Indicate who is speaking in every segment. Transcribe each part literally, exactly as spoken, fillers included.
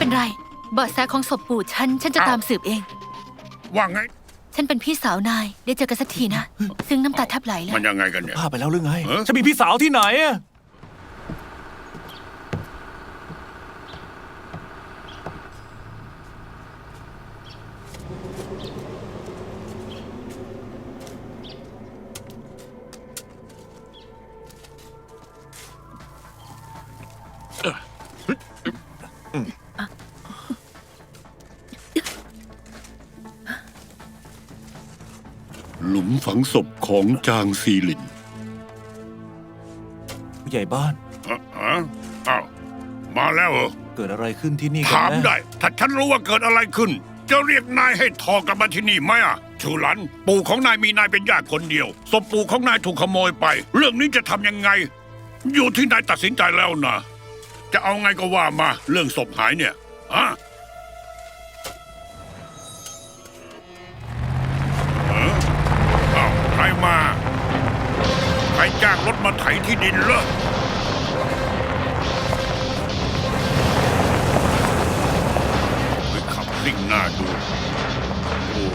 Speaker 1: เป็นไรเบาะแสของศพปู่ฉันฉันจะตามสืบเอง
Speaker 2: ว่าไง
Speaker 1: ฉันเป็นพี่สาวนายได้เจอกันสักทีนะซึ่งน้ำตาแทบไหลเลย
Speaker 2: มันยังไงกันเนี่ย
Speaker 3: พาไปแล้วหรือไง
Speaker 2: เออ
Speaker 3: ฉันมีพี่สาวที่ไหนอะ
Speaker 2: หลุมฝังศพของจางซีหลิน
Speaker 3: ผู้ใหญ่บ้าน
Speaker 2: อะอะอ้าวมาแล้วเหรอ
Speaker 3: เกิดอะไรขึ้นที่นี่กัน
Speaker 2: ถาม
Speaker 3: แน่
Speaker 2: ได้ ถ้าฉันรู้ว่าเกิดอะไรขึ้น จะเรียกนายให้ทอกลับมาที่นี่ไหมอ่ะชูหลัน ปู่ของนายมีนายเป็นญาติคนเดียวศพปู่ของนายถูกขโมยไป เรื่องนี้จะทำยังไง อยู่ที่นายตัดสินใจแล้วนะจะเอาไงก็ว่ามาเรื่องศพหายเนี่ยอะเอออ้าวใครมาใครจ้างรถมาไถที่ดินเหรอไปขับซิ่งหน้าดูโอ้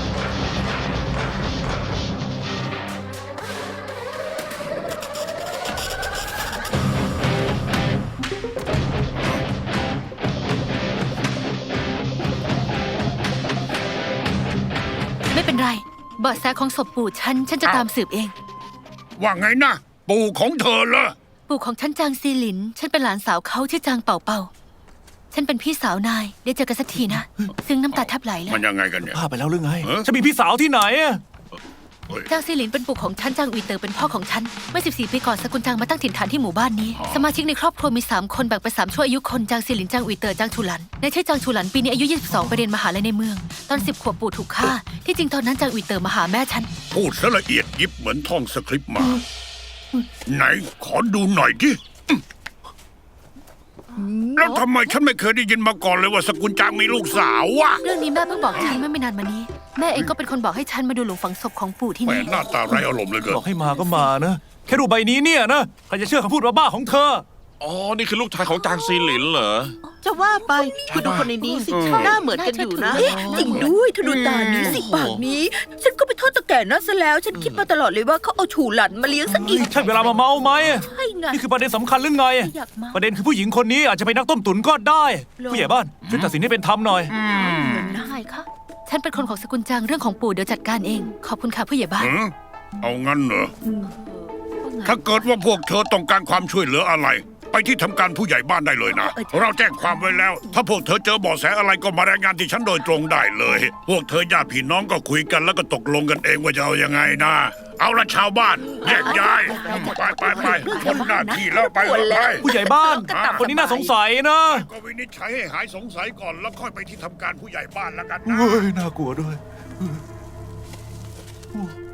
Speaker 1: ไม่เป็นไรเบาะแสของศพปู่ฉันฉันจะตามสืบเอง
Speaker 2: ว่าไงนะ ปู่ของเธอเหรอ
Speaker 1: ปู่ของฉันจางซีหลินฉันเป็นหลานสาวเขาชื่อจางเป่าเป่าฉันเป็นพี่สาวนายได้เจอกันสักทีนะซึ่งน้ำตาแทบไหลเลย
Speaker 2: มันยังไงกันเนี่ย
Speaker 3: พาไปแล้วหรือไง
Speaker 2: เออ
Speaker 3: ฉันมีพี่สาวที่ไหนอะ
Speaker 2: เฮ้ย
Speaker 1: จางซีหลินเป็นปู่ของฉันจางอุยเตอร์เป็นพ่อของฉันเมื่อสิบสี่ปีก่อนสกุลจางมาตั้งถิ่นฐานที่หมู่บ้านนี้สมาชิกในครอบครัวมีสามคนแบ่งเป็นสามช่วอายุคนจางซีหลินจางอุยเตอร์จางชูหลันในชื่อจางชูหลันปีนี้อายุยี่สิบสองไปเรียนมหาลัยในเมืองตอนสิบขวบปู่ถูกฆ่าที่จริงตอนนั้นจางอุยเตอร์มาหาแม่ฉัน
Speaker 2: พูดซะละเอียดยิบเหมือนท่องสคริปต์มา ไหนขอดูหน่อยดิแล้วทำไมฉันไม่เคยได้ยินมาก่อนเลยว่าสกุลจางมีลูกสาววะ
Speaker 1: เรื่องนี้แม่เพิ่งบอกฉันเมื่อไม่นานมานี้แม่เองก็เป็นคนบอกให้ฉันมาดูหลุมฝังศพของปู่ที่
Speaker 2: แหม
Speaker 1: นี่
Speaker 2: หน้าตาไร้อารมณ์เหลยเกิน
Speaker 3: บอกให้มาก็มานะ แค่รูปใบนี้เนี่ยนะ ใครจะเชื่อคำพูดบ้าๆของเธอ
Speaker 4: อ๋อ นี่คือลูกชายของจางซีหลินเหรอ
Speaker 5: จะว่าไปคุณดูคนในนี้สิหน้าเหมือนกันอยู่นะเอ๊ะจริงด้วยเธอดูตานี้สิปากนี้ ฉันก็ไปโทษตะแก่นั่นซะแล้ว ฉันคิดมาตลอดเลยว่าเขาเอาฉูหลันมาเลี้ยงซะอีก
Speaker 3: ใช่เวลามาเมาไหม
Speaker 5: ใช่ไง
Speaker 3: นี่คือประเด็นสำคัญหรือไง
Speaker 5: อยากเมา
Speaker 3: ประเด็นคือผู้หญิงคนนี้อาจจะเป็นนักต้มตุ๋นก็ได้ ผู้ใหญ่บ้านช่วยตัดสินให้เป็นธรรมหน่อย
Speaker 1: ได้ค่ะฉันเป็นคนของสกุลจางเรื่องของปู่เดี๋ยวจัดการเองขอบคุณค่ะผู้ใหญ่บ้าน
Speaker 2: เออเอางั้นเหรอ ถ้าเกิดว่าพวกเธอต้องการความช่วยเหลืออะไร ไปที่ทำการผู้ใหญ่บ้านได้เลยนะ เราแจ้งความไว้แล้ว ถ้าพวกเธอเจอเบาะแสอะไรก็มารายงานที่ฉันโดยตรงได้เลย พวกเธอญาติพี่น้องก็คุยกันแล้วก็ตกลงกันเองว่าจะเอายังไงนะ เอาละชาวบ้านแยกย้ายไปไปไปพ้นหน้าที่แล้วไปไป
Speaker 3: ผู้ใหญ่บ้าน คนนี้น่าสงสัยนะ
Speaker 2: ก็วินิจฉัยให้หายสงสัยก่อนแล้วค่อยไปที่ทำการผู้ใหญ่บ้านแล้วกันนะ
Speaker 3: เฮ้ย น่ากลัวด้วย